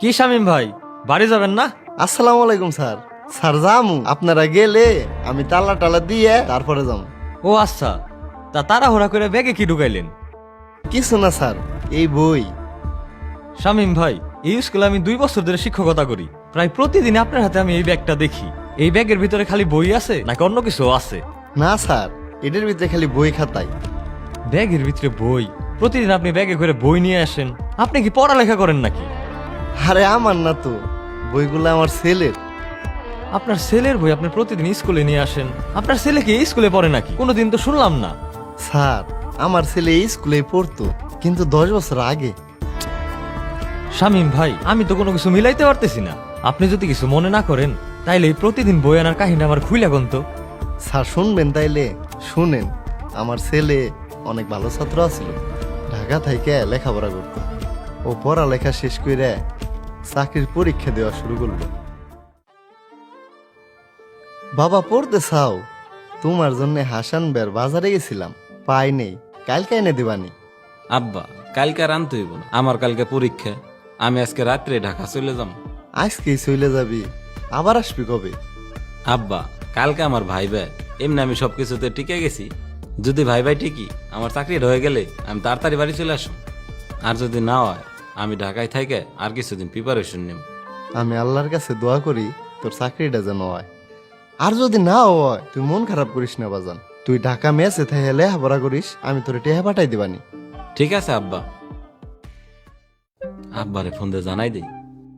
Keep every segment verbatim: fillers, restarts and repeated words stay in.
কি শামিম ভাই, বাড়ি যাবেন না? আসসালামু আলাইকুম স্যার। স্যার যামু, আপনারা গেলে আমি তালা টালা দিয়ে তারপরে যাম। ও আচ্ছা, তা তাড়াহুড়া করে ব্যাগে কি ঢুকাইলেন? কিছু না স্যার, এই বই। শামিম ভাই, এই স্কুলে আমি দুই বছর ধরে শিক্ষকতা করি। প্রায় প্রতিদিন আপনার হাতে আমি এই ব্যাগটা দেখি। এই ব্যাগের ভিতরে খালি বই আছে নাকি অন্য কিছু আছে? না স্যার, এটার ভিতরে খালি বই খাতাই। ব্যাগের ভিতরে বই? প্রতিদিন আপনি ব্যাগে করে বই নিয়ে আসেন, আপনি কি পড়ালেখা করেন নাকি? আরে আমার না তো, বইগুলো আমার ছেলের। আপনার ছেলের বই আপনি প্রতিদিন স্কুলে নিয়ে আসেন? আপনার ছেলে কি এই স্কুলে পড়ে নাকি? কোনোদিন তো শুনলাম না। স্যার, আমার ছেলে এই স্কুলে পড়তো, কিন্তু দশ বছর আগে। শামিম ভাই, আমি তো কোনো কিছু মিলাইতে পারতেছি না। আপনি যদি কিছু মনে না করেন তাইলে এই প্রতিদিন বই আনার কাহিনী আমার খুইলা গন্ত। স্যার শুনবেন তাইলে শুনেন। আমার ছেলে অনেক ভালো ছাত্র আছিল, ঢাকা থেকে লেখাপড়া করতো। ও পড়ালেখা শেষ করে চাকরির পরীক্ষা দেওয়া শুরু করলো। বাবা পড়তে চাও? তোমার জন্য হাসান বের বাজারে গেছিলাম, পাই নেই, কালকে এনে দিবানি। আব্বা, কালকে আর আনতে হইব না, আমার কালকে পরীক্ষা। আমি আজকে রাত্রে ঢাকা চলে যাম। আজকেই চলে যাবি? আবার আসবি কবে? আব্বা, কালকে আমার ভাই ভাই, এমনি আমি সবকিছুতে টিকে গেছি। যদি ভাই ভাই ঠিকই আমার চাকরি হয়ে গেলে আমি তাড়াতাড়ি বাড়ি চলে আসুন। আর যদি না হয় আমি ঢাকায় থেকে আর কিছুদিন প্রিপারেশন নেব। আমি আল্লাহর কাছে দোয়া করি তোর চাকরিটা যেন হয়। আর যদি না হয় তুই মন খারাপ করিস না বাজান, তুই ঢাকা মেসে থেকে লেখাপড়া করিস, আমি তোর টেহা পাঠাই দিবানি। ঠিক আছে আব্বা। আব্বারে ফোন দিয়ে জানাই দেই।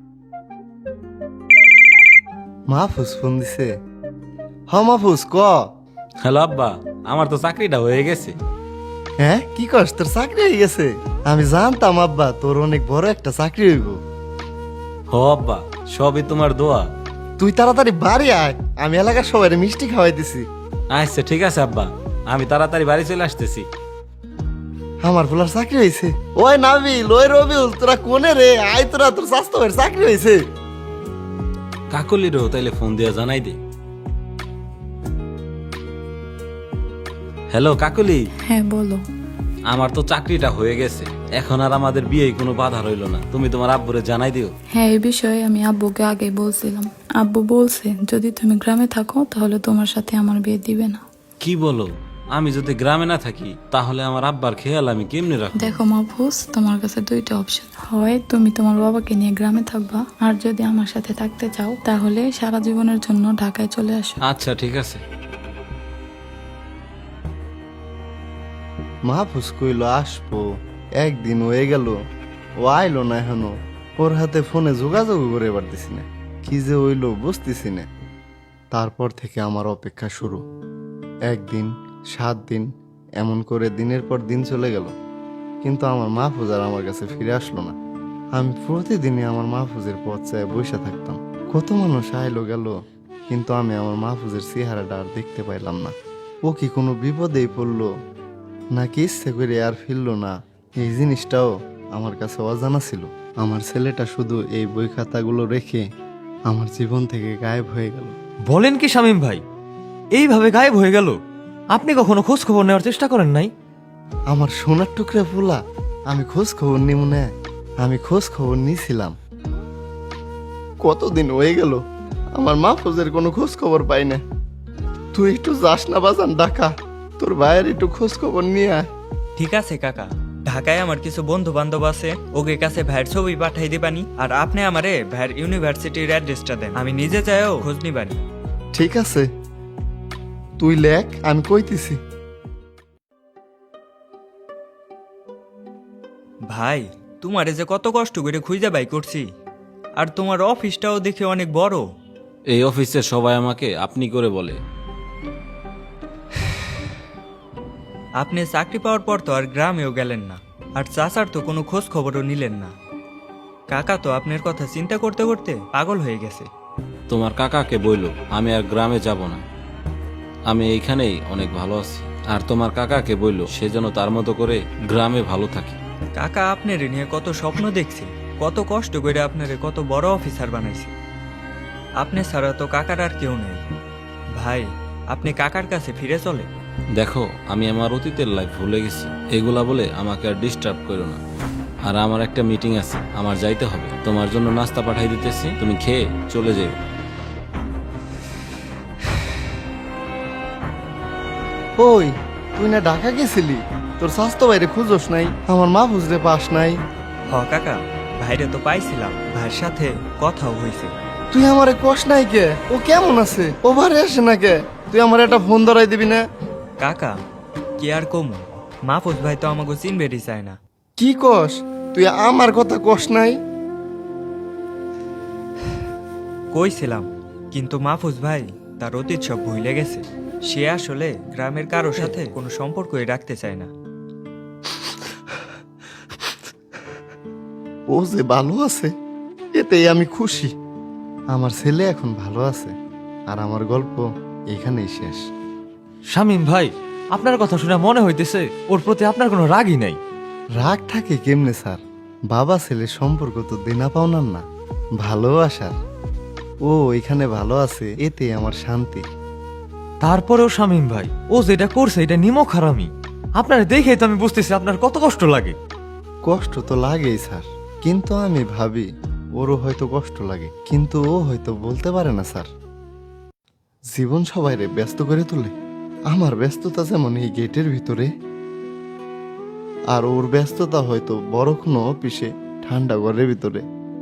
মাহফুজ ফোন দিছে। হ মাহফুজ ক। হ্যালো আব্বা, আমার তো চাকরিটা হয়ে গেছে। হ্যাঁ কি করস, তোর চাকরি হয়ে গেছে? আমি জানতাম আব্বা তোর অনেক বড় একটা চাকরি হইব। হ আব্বা, সবই তোমার দোয়া। তুই তাড়াতাড়ি বাড়ি আয়, আমি এলাকার সবাই মিষ্টি খাওয়াই দিছি। আচ্ছা ঠিক আছে আব্বা, আমি তাড়াতাড়ি বাড়ি চলে আসতেছি। আমার ফুলার চাকরি হয়েছে। ওই নাবিল, ওই রবিউল, তোরা কোনে রে? আয় তোরা, তোর স্বাস্থ্য ভাইয়ের চাকরি হয়েছে। কাকলিরও তাইলে ফোন দিয়ে জানাই দে। হ্যালো কাকলি। হ্যাঁ বলো। আমার তো চাকরিটা হয়ে গেছে, এখন আর আমাদের বিয়ে কোনো বাধা রইল না। তুমি তোমার আব্বুরে জানাই দিও। হ্যাঁ এই বিষয়ে আমি আব্বুকে আগে বলছিলাম। আব্বু বলছে যদি তুমি গ্রামে থাকো তাহলে তোমার সাথে আমার বিয়ে দিবে না। কি বলো? আমি যদি গ্রামে না থাকি তাহলে আমার আব্বার খেয়াল আমি কেমনে রাখবো? দেখো মাহফুজ, তোমার কাছে দুইটা অপশন, হয় তুমি তোমার বাবাকে নিয়ে গ্রামে থাকবা, আর যদি আমার সাথে থাকতে চাও তাহলে সারা জীবনের জন্য ঢাকায় চলে আসো। আচ্ছা ঠিক আছে। মাহফুজ কইল আসবো, একদিন হয়ে গেল, ও আইলো না এখনো। ওর হাতে ফোনে যোগাযোগ করে পারতেছি না, কি যে হইলো বুঝতেছি না। তারপর থেকে আমার অপেক্ষা শুরু। একদিন, সাত দিন, এমন করে দিনের পর দিন চলে গেল, কিন্তু আমার মাহফুজ আর আমার কাছে ফিরে আসলো না। আমি প্রতিদিনই আমার মাহফুজের পথ চায় বসে থাকতাম। কত মানুষ আইলো গেল, কিন্তু আমি আমার মাহফুজের চেহারাটা আর দেখতে পাইলাম না। ও কি কোনো বিপদেই পড়লো নাকি ইচ্ছে করে আর ফিরলো না, এই জিনিসটাও আমার কাছে অজানা ছিল। আমার ছেলেটা শুধু এই বই খাতাগুলো রেখে আমার জীবন থেকে গায়েব হয়ে গেল। বলেন কি শামিম ভাই, এইভাবে গায়েব হয়ে গেল? আপনি কখনো খোঁজ খবর নেওয়ার চেষ্টা করেন নাই? আমার সোনার টুকরা ফুলা, আমি খোঁজ খবর নি মনে আমি খোঁজ খবর নিয়েছিলাম। কতদিন হয়ে গেল আমার মাহফুজের কোনো খোঁজ খবর পাই না। তুই একটু যাস না বাজান ঢাকা, তোর ভাইয়ের একটু খোঁজ খবর নিয়ে আয়। ঠিক আছে কাকা, ঢাকায় আমার কিছু বন্ধু বান্ধব আছে, ওকে কাছে ভাইয়ের ছবি পাঠাই দিবানি। আর আপনি আমারে ভাইয়ের ইউনিভার্সিটির অ্যাড্রেসটা দেন, আমি নিজে যাইও খোঁজ নিবানি। ঠিক আছে, তুই লেখ, আমি কইতেছি। ভাই, তোমারে যে কত কষ্ট করে খুঁজে বাই করছি, আর তোমার অফিসটাও দেখে অনেক বড়। এই অফিসে সবাই আমাকে আপনি করে বলে। আপনি চাকরি পাওয়ার পর তো আর গ্রামেও গেলেন না, আর চাচার তো কোনো খোঁজ খবরও নিলেন না। কাকা তো আপনার কথা চিন্তা করতে করতে পাগল হয়ে গেছে। তোমার কাকাকে বইলো আমি আর গ্রামে যাব না, আমি এইখানেই অনেক ভালো আছি। আর তোমার কাকাকে বইলো সে যেন তার মতো করে গ্রামে ভালো থাকে। কাকা আপনার নিয়ে কত স্বপ্ন দেখছে, কত কষ্ট করে আপনারে কত বড় অফিসার বানাইছে। আপনি ছাড়া তো কাকার আর কেউ নেই। ভাই, আপনি কাকার কাছে ফিরে চলে। দেখো, আমি আমার অতীতের লাইফ ভুলে গেছি, এগুলা বলে আমাকে আর ডিস্টার্ব করো না। আর আমার একটা মিটিং আছে, আমার যাইতে হবে। তোমার জন্য নাস্তা পাঠাই দিতেছি, তুমি খেয়ে চলে যেও। ওই তুই না ঢাকা গেছিলি, তোর স্বাস্থ্য বাইরে খুঁজোস নাই, আমার মা বুঝতে পাস নাই। হ কাকা, ভাইরে তো পাইছিলাম, ভাইয়ের সাথে কথাও হয়েছে। তুই আমারে কষ নাই কে? ও কেমন আছে? ও বাড়ি আসে না কে? তুই আমার একটা ফোন ধরাই দিবি না? কাকা কি আর কমু, মাহফুজ ভাই তো আমাকে চিনবেরই চায় না। কি কস? তুই আমার কথা কষ নাই? কইছিলাম, কিন্তু মাহফুজ ভাই তার অতীত সব ভুলে গেছে। সে আসলে গ্রামের কারোর সাথে কোনো সম্পর্কই রাখতে চায় না। ও যে ভালো আছে এতেই আমি খুশি। আমার ছেলে এখন ভালো আছে, আর আমার গল্প এখানেই শেষ। শামীম ভাই, আপনার কথা শুনে মনে হইতেছে ওর প্রতি আপনার কোনো রাগই নাই। রাগ থাকে কেমনে স্যার? বাবা ছেলের সম্পর্ক তো দেনা পাওনার না, ভালোবাসার। ও এখানে ভালো আছে এতে আমার শান্তি। তারপরেও শামীম ভাই, ও যেটা করছে এটা নিমক হারামি। আপনার দেখেই তো আমি বুঝতেছি আপনার কত কষ্ট লাগে। কষ্ট তো লাগেই স্যার, কিন্তু আমি ভাবি ওরও হয়তো কষ্ট লাগে, কিন্তু ও হয়তো বলতে পারে না স্যার। জীবন সবাইরে ব্যস্ত করে তোলে। আমার ব্যস্ততা যেমন এই গেটের ভিতরে, আর ওর ব্যস্ততা হয়তো বড় কোনো অফিসে ঠান্ডা ঘরের ভিতরে।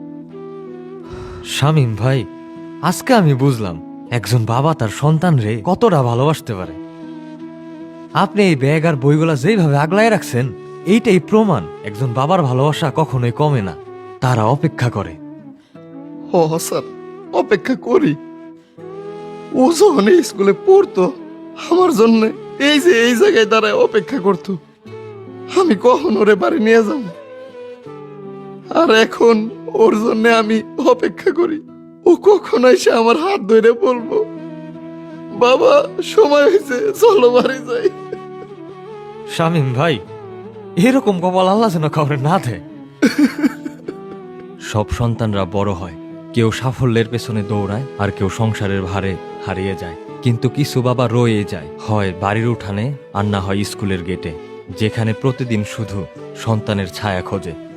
শামীম ভাই, আজকে আমি বুঝলাম একজন বাবা তার সন্তান রে কতটা ভালোবাসতে পারে। আপনি এই ব্যাগ আর বইগুলা যেইভাবে আগলায় রাখছেন, এইটাই প্রমাণ একজন বাবার ভালোবাসা কখনোই কমে না, তারা অপেক্ষা করে। ও স্যার, অপেক্ষা করি। ও যখন এই স্কুলে পড়তো আমার জন্য এই যে এই জায়গায় দাঁড়ায় অপেক্ষা করতো, আমি কখন ওরে বাড়ি নিয়ে যাব। আর এখন ওর জন্য আমি অপেক্ষা করি ও কখন এসে আমার হাত ধরে বলবো, বাবা সময় হয়েছে, চলো বাড়ি যাই। শামীম ভাই, এরকম কপাল আল্লাহ যেন কাউরে না দেয়। সব সন্তানরা বড় হয়, কেউ সাফল্যের পেছনে দৌড়ায়, আর কেউ সংসারের ভারে হারিয়ে যায়। কিন্তু কিছু বাবা রয়ে যায়, হয় বাড়ির উঠানে আর না হয় স্কুলের গেটে, যেখানে প্রতিদিন শুধু সন্তানের ছায়া খোঁজে।